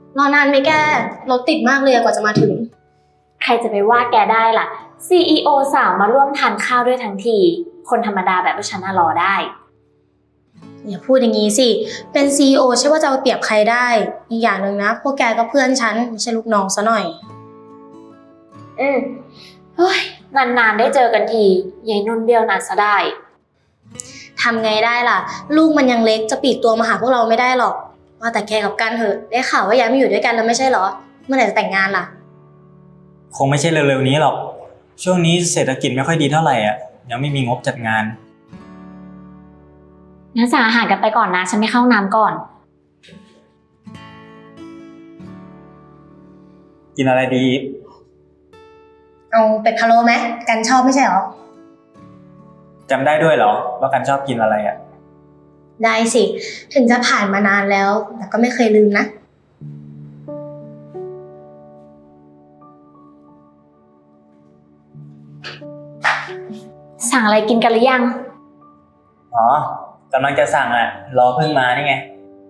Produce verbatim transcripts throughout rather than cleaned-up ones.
รอนานไหมแกรถติดมากเลยกว่าจะมาถึงใครจะไปว่าแกได้ล่ะ ซี อี โอ สาวมาร่วมทานข้าวด้วยทั้งทีคนธรรมดาแบบฉันน่ะรอได้อย่าพูดอย่างนี้สิเป็น ซี อี โอ ใช่ว่าจะเอาเปรียบใครได้อีกอย่างหนึ่งนะพวกแกก็เพื่อนฉันไม่ใช่ลูกน้องซะหน่อยอืมเฮ้ยนานๆได้เจอกันทียายนุ่นเบี้ยวนัดซะได้ทำไงได้ล่ะลูกมันยังเล็กจะปลีกตัวมาหาพวกเราไม่ได้หรอกว่าแต่แกกับกันเถอะได้ข่าวว่าย้ายมาอยู่ด้วยกันแล้วไม่ใช่เหรอเมื่อไหร่จะแต่งงานล่ะคงไม่ใช่เร็วๆนี้หรอกช่วงนี้เศรษฐกิจไม่ค่อยดีเท่าไหร่อ่ะยังไม่มีงบจัดงานงั้นสั่งอาหารกันไปก่อนนะฉันไม่เข้าน้ำก่อนกินอะไรดีอีฟเอาเป็ดพะโล้ไหมกันชอบไม่ใช่เหรอจำได้ด้วยเหรอว่ากันชอบกินอะไรอ่ะได้สิถึงจะผ่านมานานแล้วแต่ก็ไม่เคยลืมนะสั่งอะไรกินกันหรือยังอ๋อกำลังจะสั่งอ่ะรอเพิ่งมานี่ไง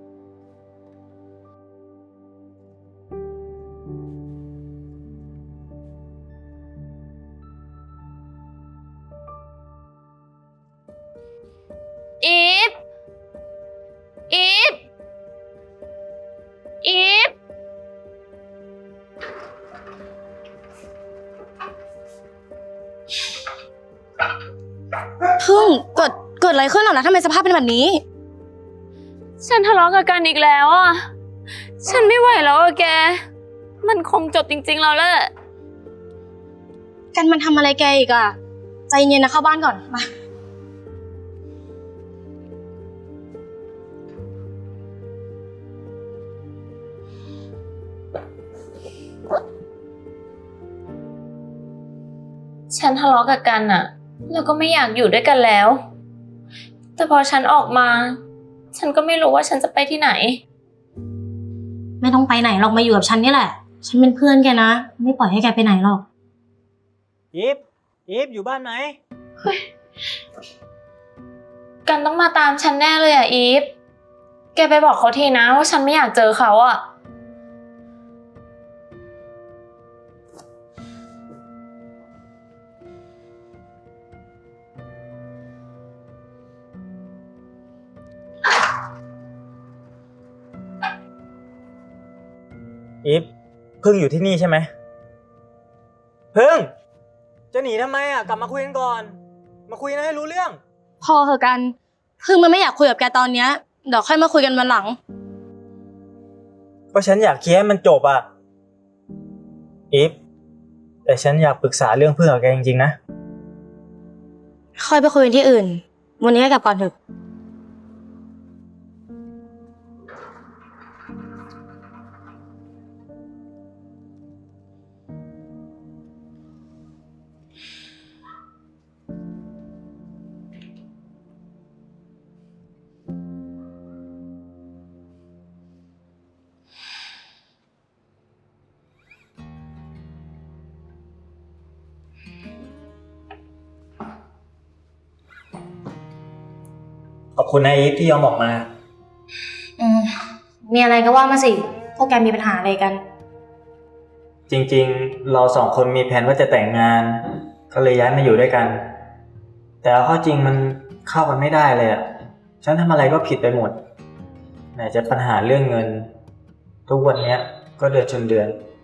อีฟอีฟอีฟพึ่งเกิดเกิดอะไรขึ้นหรอนะทำไมสภาพเป็นแบบนี้ฉันทะเลาะกับกันอีกแล้วอ่ะฉันไม่ไหวแล้วอะแกมันคงจบจริงๆแล้วแหละกันมันทำอะไรแกอีกอะใจเย็นนะเข้าบ้านก่อนมาฉันทะเลาะกับกันอะแล้วก็ไม่อยากอยู่ด้วยกันแล้วแต่พอฉันออกมาฉันก็ไม่รู้ว่าฉันจะไปที่ไหนไม่ต้องไปไหนหรอกมาอยู่กับฉันนี่แหละฉันเป็นเพื่อนแกนะไม่ปล่อยให้แกไปไหนหรอกอีฟอีฟอยู่บ้านไหมเฮ้ยกันต้องมาตามฉันแน่เลยอะอีฟแกไปบอกเขาทีนะว่าฉันไม่อยากเจอเขาอะอีฟพึ่งอยู่ที่นี่ใช่ไหมพึ่งจะหนีทำไมอ่ะกลับมาคุยกันก่อนมาคุยนะให้รู้เรื่องพอเหอะกันพึ่งมันไม่อยากคุยกับแกตอนเนี้ยเดี๋ยวค่อยมาคุยกันวันหลังก็ฉันอยากเคลียร์ให้มันจบอ่ะอีฟแต่ฉันอยากปรึกษาเรื่องพึ่งกับแกจริงๆนะค่อยไปคุยกันที่อื่นวันนี้ให้กลับก่อนเถอะขอบคุณนะอีฟที่ยอมออกมาอืมมีอะไรก็ว่ามาสิพวกแกมีปัญหาอะไรกันจริงๆเราสองคนมีแผนว่าจะแต่งงานก็เลยย้ายมาอยู่ด้วยกันแต่เอาเข้าจริงมันเข้ากันไม่ได้เลยอ่ะฉันทำอะไรก็ผิดไปหมดไหนจะปัญหาเรื่องเงินทุกวันนี้ก็เดือนชนเดือน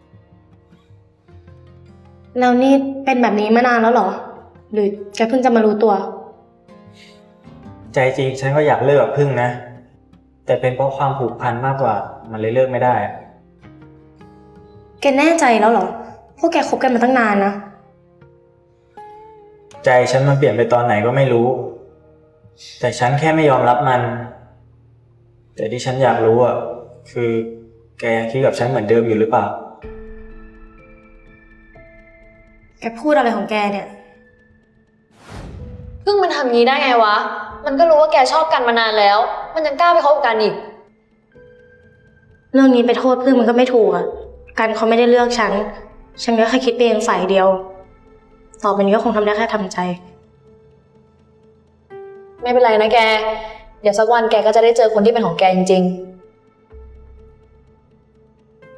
แล้วนี่เป็นแบบนี้มานานแล้วเหรอหรือแกเพิ่งจะมารู้ตัวใจจริงฉันก็อยากเลิกกับพึ่งนะแต่เป็นเพราะความผูกพันมากกว่ามันเลยเลิกไม่ได้แกแน่ใจแล้วเหรอพวกแกคบกันมาตั้งนานนะใจฉันมันเปลี่ยนไปตอนไหนก็ไม่รู้แต่ฉันแค่ไม่ยอมรับมันแต่ที่ฉันอยากรู้อ่ะคือแกยังคิดกับฉันเหมือนเดิมอยู่หรือเปล่าแกพูดอะไรของแกเนี่ยพึ่งมันทำงี้ได้ไงวะมันก็รู้ว่าแกชอบกันมานานแล้วมันยังกล้าไปคบกันอีกเรื่องนี้ไปโทษพึ่งมันก็ไม่ถูกอ่ะกันเขาไม่ได้เลือกฉันฉันก็แค่คิดไปเองฝ่ายเดียวต่อไปนี้ก็คงทำได้แค่ทำใจไม่เป็นไรนะแกเดี๋ยวสักวันแกก็จะได้เจอคนที่เป็นของแกจริง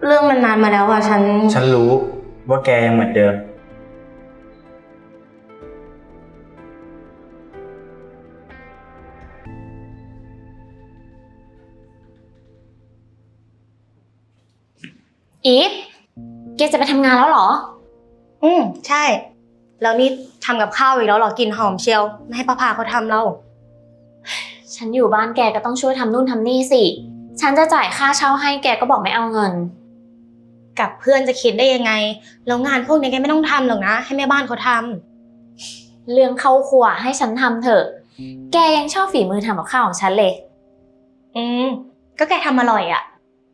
เรื่องมันนานมาแล้วอะฉันฉันรู้ว่าแกยังเหมือนเดิมอีฟแกจะไปทำงานแล้วเหรออืมใช่ แล้วนี่ทำกับข้าวอีกแล้วเหรอกลิ่นหอมเชียว ไม่ให้ป้าพาเขาทำเราฉันอยู่บ้านแกก็ต้องช่วยทำนู่นทำนี่สิ ฉันจะจ่ายค่าเช่าให้แกก็บอกไม่เอาเงินกับเพื่อนจะคิดได้ยังไง แล้วงานพวกนี้แกไม่ต้องทำหรอกนะ ให้แม่บ้านเขาทำเรื่องเข้าครัวให้ฉันทำเถอะ แกยังชอบฝีมือทำกับข้าวของฉันเลยอืม ก็แกทำอร่อยอะ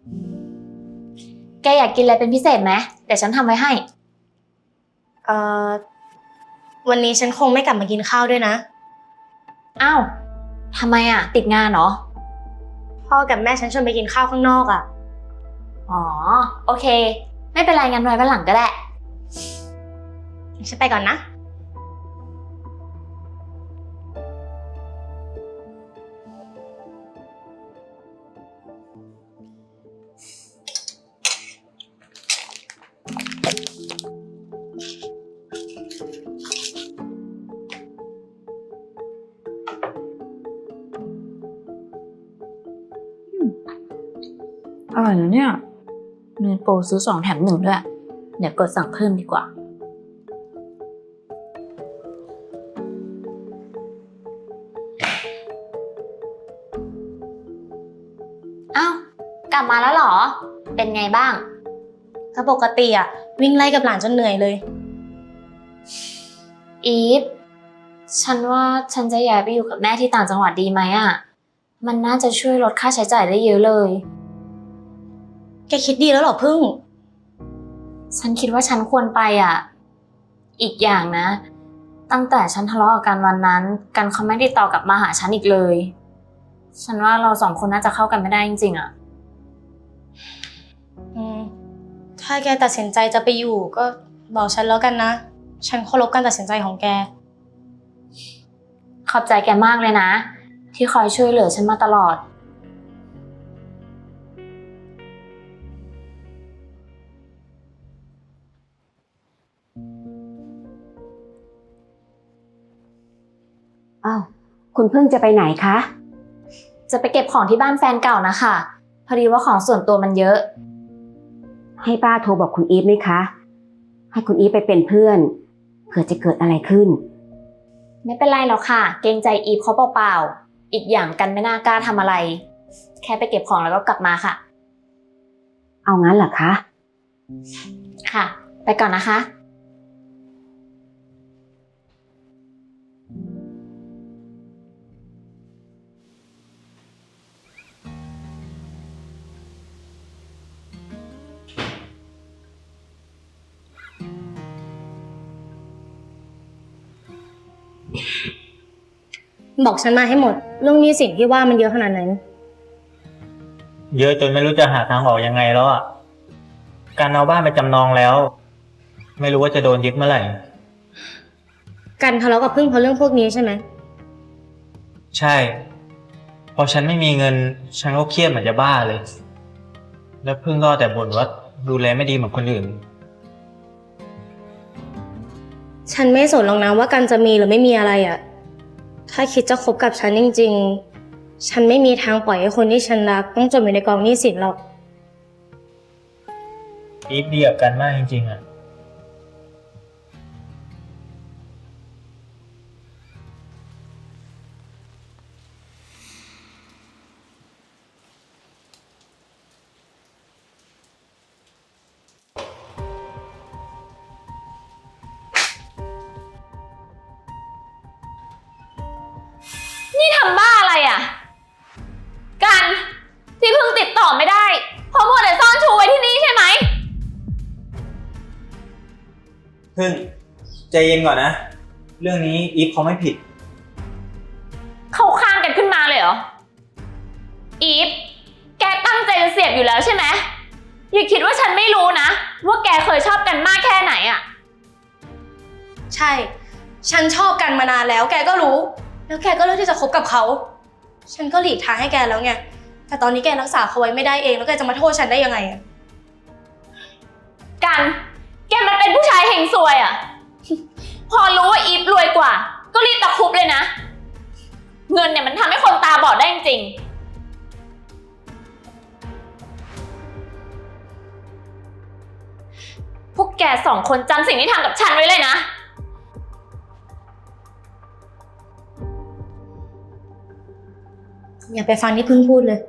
แกอยากกินอะไรเป็นพิเศษไหมเดี๋ยวฉันทำไว้ให้เอ่อ วันนี้ฉันคงไม่กลับมากินข้าวด้วยนะอ้าวทำไมอ่ะ ติดงานเหรอพ่อกับแม่ฉันชวนไปกินข้าวข้างนอกอะอ๋อ โอเค ไม่เป็นไรงั้นไว้วันหลังก็ได้ฉันไปก่อนนะอร่อยนะเนี่ยมีโปรซื้อสองแถมหนึ่งด้วย เดี๋ยวกดสั่งเพิ่มดีกว่า อ้าว กลับมาแล้วเหรอ เป็นไงบ้างก็ปกติอะวิ่งไล่กับหลานจนเหนื่อยเลยอีฟ ฉันว่าฉันจะย้ายไปอยู่กับแม่ที่ต่างจังหวัดดีไหมอ่ะ มันน่าจะช่วยลดค่าใช้จ่ายได้เยอะเลยแกคิดดีแล้วเหรอพึ่งฉันคิดว่าฉันควรไปอ่ะ อีกอย่างนะ ตั้งแต่ฉันทะเลาะกับกันวันนั้น กันเขาไม่ติดต่อกลับมาหาฉันอีกเลย ฉันว่าเราสองคนน่าจะเข้ากันไม่ได้จริงๆอ่ะอืม ถ้าแกตัดสินใจจะไปอยู่ก็บอกฉันแล้วกันนะ ฉันเคารพการตัดสินใจของแกขอบใจแกมากเลยนะ ที่คอยช่วยเหลือฉันมาตลอดอ้าวคุณเพิ่งจะไปไหนคะจะไปเก็บของที่บ้านแฟนเก่านะคะพอดีว่าของส่วนตัวมันเยอะให้ป้าโทรบอกคุณอีฟไหมคะ ให้คุณอีฟไปเป็นเพื่อนเผื่อจะเกิดอะไรขึ้นไม่เป็นไรหรอกค่ะ เกรงใจอีฟเขาเปล่าๆอีกอย่างกันไม่น่ากล้าทำอะไร แค่ไปเก็บของแล้วก็กลับมาค่ะเอางั้นเหรอคะค่ะ ไปก่อนนะคะบอกฉันมาให้หมด เรื่องหนี้สินที่ว่ามันเยอะขนาดไหนเยอะจนไม่รู้จะหาทางออกยังไงแล้วอ่ะ การเอาบ้านไปจำนองแล้ว ไม่รู้ว่าจะโดนยึดเมื่อไหร่กันทะเลาะกับพึ่งเพราะเรื่องพวกนี้ใช่ไหมใช่ พอฉันไม่มีเงิน ฉันก็เครียดเหมือนจะบ้าเลย แล้วพึ่งก็แต่บ่นว่าดูแลไม่ดีเหมือนคนอื่นฉันไม่สนหรอกนะว่ากันจะมีหรือไม่มีอะไรอะถ้าคิดจะคบกับฉันจริงๆ ฉันไม่มีทางปล่อยให้คนที่ฉันรักต้องจมอยู่ในกองหนี้สินหรอกอีฟดีกับกันมากจริงๆอ่ะนี่ทำบ้าอะไรอ่ะ กันที่เพิ่งติดต่อไม่ได้เพราะมัวแต่ซ่อนชูไว้ที่นี่ใช่ไหมพึ่งใจเย็นก่อนนะ เรื่องนี้อีฟเขาไม่ผิดเข้าข้างกันขึ้นมาเลยเหรอ อีฟ แกตั้งใจจะเสียบอยู่แล้วใช่ไหม อย่าคิดว่าฉันไม่รู้นะ ว่าแกเคยชอบกันมากแค่ไหนอ่ะใช่ ฉันชอบกันมานานแล้ว แกก็รู้ แล้วแกก็เลือกที่จะคบกับเขา ฉันก็หลีกทางให้แกแล้วไง แต่ตอนนี้แกรักษาเขาไว้ไม่ได้เอง แล้วแกจะมาโทษฉันได้ยังไงอะกัน แกมันเป็นผู้ชายเฮงซวยอะพอรู้ว่าอีฟรวยกว่า ก็รีบตะครุบเลยนะ เงินเนี่ยมันทำให้คนตาบอดได้จริงๆพวกแกสองคนจำสิ่งที่ทำกับฉันไว้เลยนะอย่าไปฟังที่พึ่งพูดเลย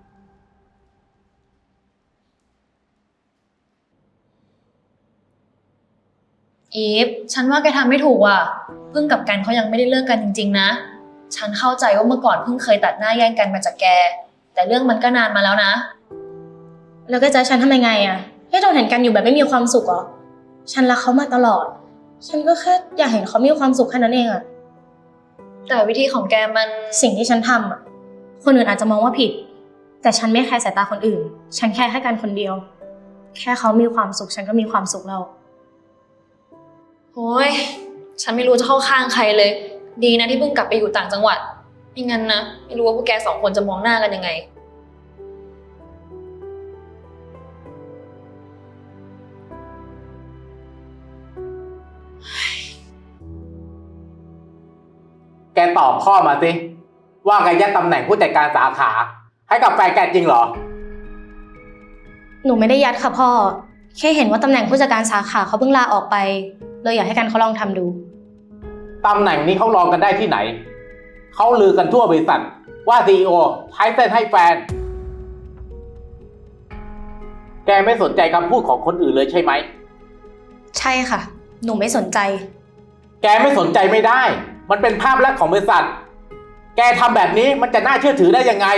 อีฟ ฉันว่าแกทำไม่ถูกอ่ะพึ่งกับกันเขายังไม่ได้เลิกกันจริงๆนะ ฉันเข้าใจว่าเมื่อก่อนพึ่งเคยตัดหน้าแย่งกันมาจากแก แต่เรื่องมันก็นานมาแล้วนะแล้วก็จะให้ฉันทำยังไงอะให้เราเห็นกันอยู่แบบไม่มีความสุขเหรอ ฉันรักเขามาตลอด ฉันก็แค่อยากเห็นเขามีความสุขแค่นั้นเองอะแต่วิธีของแกมันสิ่งที่ฉันทำอะคนอื่นอาจจะมองว่าผิด แต่ฉันไม่แคร์สายตาคนอื่น ฉันแค่แค่กันคนเดียว แค่เขามีความสุขฉันก็มีความสุขแล้วโอ้ย ฉันไม่รู้จะเข้าข้างใครเลย ดีนะที่เพิ่งกลับไปอยู่ต่างจังหวัด ไม่งั้นนะ ไม่รู้ว่าพวกแกสองคนจะมองหน้ากันยังไงแกตอบพ่อมาสิว่าแกยัดตำแหน่งผู้จัดการสาขาให้กับแฟนแกจริงเหรอหนูไม่ได้ยัดค่ะพ่อ แค่เห็นว่าตำแหน่งผู้จัดการสาขาเขาเพิ่งลาออกไป เลยอยากให้กันเขาลองทำดูตำแหน่งนี้เขาลองกันได้ที่ไหน เขาลือกันทั่วบริษัทว่าซีอีโอใช้เส้นให้แฟน แกไม่สนใจคำพูดของคนอื่นเลยใช่ไหมใช่ค่ะ หนูไม่สนใจแกไม่สนใจไม่ได้ มันเป็นภาพลักษณ์ของบริษัท แกทำแบบนี้มันจะน่าเชื่อถือได้ยังไง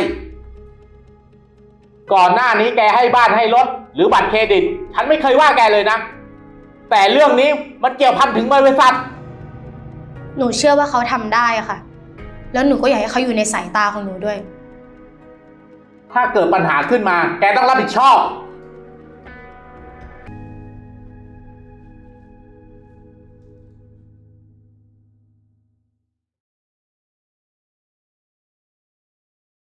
ก่อนหน้านี้แกให้บ้านให้รถหรือบัตรเครดิต ฉันไม่เคยว่าแกเลยนะ แต่เรื่องนี้มันเกี่ยวพันถึงบริษัทหนูเชื่อว่าเขาทำได้อะค่ะ แล้วหนูก็อยากให้เขาอยู่ในสายตาของหนูด้วยถ้าเกิดปัญหาขึ้นมา แกต้องรับผิดชอบ